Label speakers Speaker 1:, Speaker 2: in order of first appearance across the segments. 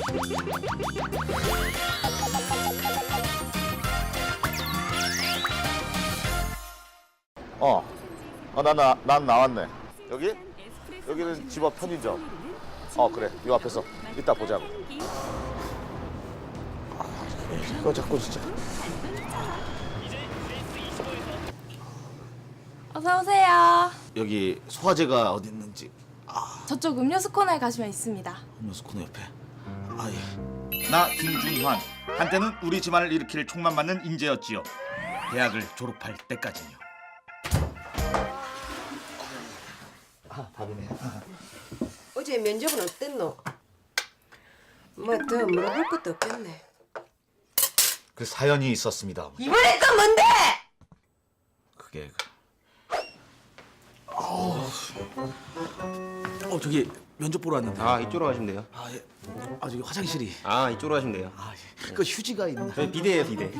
Speaker 1: 난 나왔네. 여기? 여기는 집 앞 편의점. 그래. 요 앞에서 이따 보자고. 이거 자꾸 진짜.
Speaker 2: 어서 오세요.
Speaker 1: 여기 소화제가 어디 있는지.
Speaker 2: 저쪽 음료수 코너에 가시면 있습니다.
Speaker 1: 음료수 코너 옆에. 예.
Speaker 3: 나 김준환, 한때는 우리 집안을 일으킬 총만 맞는 인재였지요. 대학을 졸업할 때까지요.
Speaker 1: 밥이네.
Speaker 4: 어제 면접은 어땠노? 뭐 더 물어볼 것도 없겠네.
Speaker 1: 그 사연이 있었습니다. 어머니.
Speaker 4: 이번엔 또 뭔데?
Speaker 1: 그게 저기 면접 보러 왔는데.
Speaker 5: 이쪽으로 가시면 돼요.
Speaker 1: 예. 저기 화장실이.
Speaker 5: 이쪽으로 가시면 돼요.
Speaker 1: 예. 그 휴지가 있나?
Speaker 5: 저희 비대예요, 비대.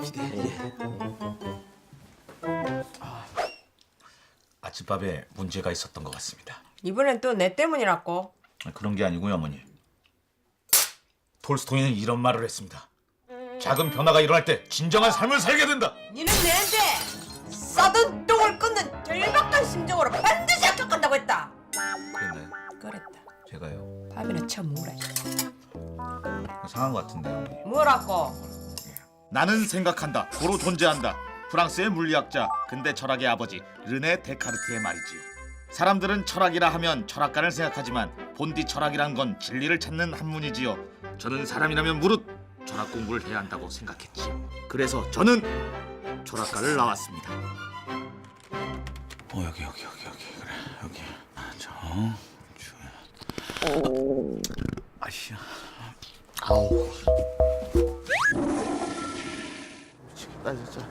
Speaker 3: 아침밥에 문제가 있었던 것 같습니다.
Speaker 4: 이번엔 또 내 때문이라고?
Speaker 3: 그런 게 아니고요, 어머니. 톨스토이는 이런 말을 했습니다. 작은 변화가 일어날 때 진정한 삶을 살게 된다.
Speaker 4: 니는 내한테 썩은 똥을 끊는 절박한 심정으로 반드시 합격한다고 했다.
Speaker 1: 그랬나요?
Speaker 4: 그랬다.
Speaker 1: 제가요.
Speaker 4: 밥이나 쳐먹으라.
Speaker 1: 상한 것 같은데요, 어머니.
Speaker 4: 뭐라고?
Speaker 3: 나는 생각한다. 고로 존재한다. 프랑스의 물리학자, 근대 철학의 아버지 르네 데카르트의 말이지요. 사람들은 철학이라 하면 철학가를 생각하지만 본디 철학이란 건 진리를 찾는 학문이지요. 저는 사람이라면 무릇 철학 공부를 해야 한다고 생각했지요. 그래서 저는 철학과를 나왔습니다.
Speaker 1: 여기 그래 여기. 아씨야. 미치겠다 진짜.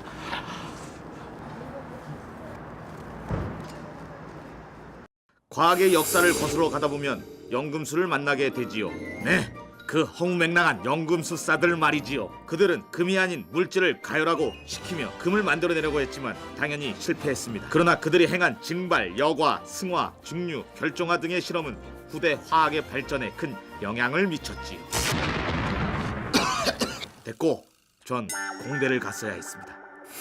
Speaker 3: 과학의 역사를 거슬러 가다 보면 연금술을 만나게 되지요. 네, 그 허무맹랑한 연금술사들 말이지요. 그들은 금이 아닌 물질을 가열하고 식히며 금을 만들어내려고 했지만 당연히 실패했습니다. 그러나 그들이 행한 증발, 여과, 승화, 중류, 결정화 등의 실험은 후대 화학의 발전에 큰 영향을 미쳤지요. 됐고, 전 공대를 갔어야 했습니다.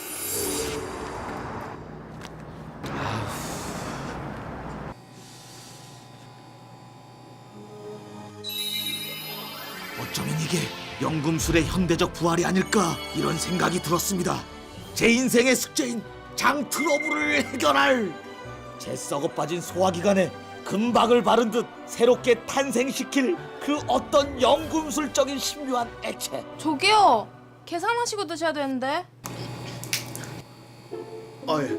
Speaker 3: 어쩌면 이게 연금술의 현대적 부활이 아닐까 이런 생각이 들었습니다. 제 인생의 숙제인 장 트러블을 해결할 제 썩어 빠진 소화기관에 금박을 바른 듯 새롭게 탄생시킬 그 어떤 연금술적인 신묘한 액체.
Speaker 2: 저기요. 계산하시고 드셔야 되는데.
Speaker 1: 여기.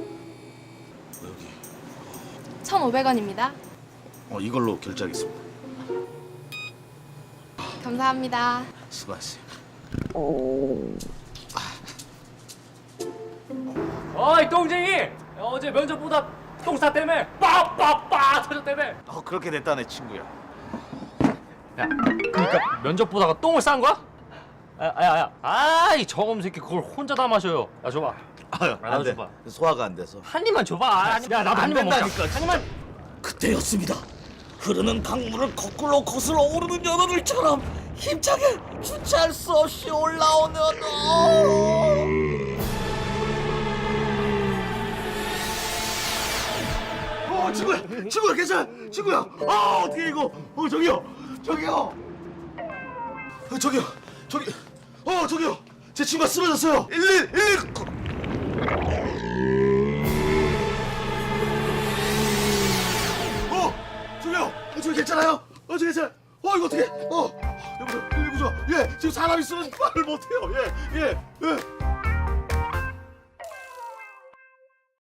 Speaker 2: 1,500원입니다.
Speaker 1: 이걸로 결제하겠습니다.
Speaker 2: 감사합니다.
Speaker 1: 수고하세요.
Speaker 6: 어이 똥쟁이! 어제 면접보다 똥싸 때문에 빠빠빠 터졌다며.
Speaker 1: 그렇게 됐다네 친구야.
Speaker 6: 야, 그러니까 면접 보다가 똥을 싼 거야? 야, 아이 저검 새끼 그걸 혼자 다 마셔요. 야 줘봐.
Speaker 1: 안 돼.
Speaker 6: 줘봐.
Speaker 1: 소화가 안 돼서.
Speaker 6: 한 입만 줘봐. 야 나도 한 입만 먹자. 한 입만.
Speaker 3: 그때였습니다. 흐르는 강물을 거꾸로 거슬러 오르는 연어들처럼 힘차게 주체할 수 없이 올라오는 친구야 괜찮아 친구야. 어떻게 이거 저기요 저기요 제 친구가 쓰러졌어요. 119 저기요 저기 괜찮아요? 저기 괜찮아. 이거 어떻게 여보세요 119죠. 예 지금 사람이 쓰러진 말을 못해요. 예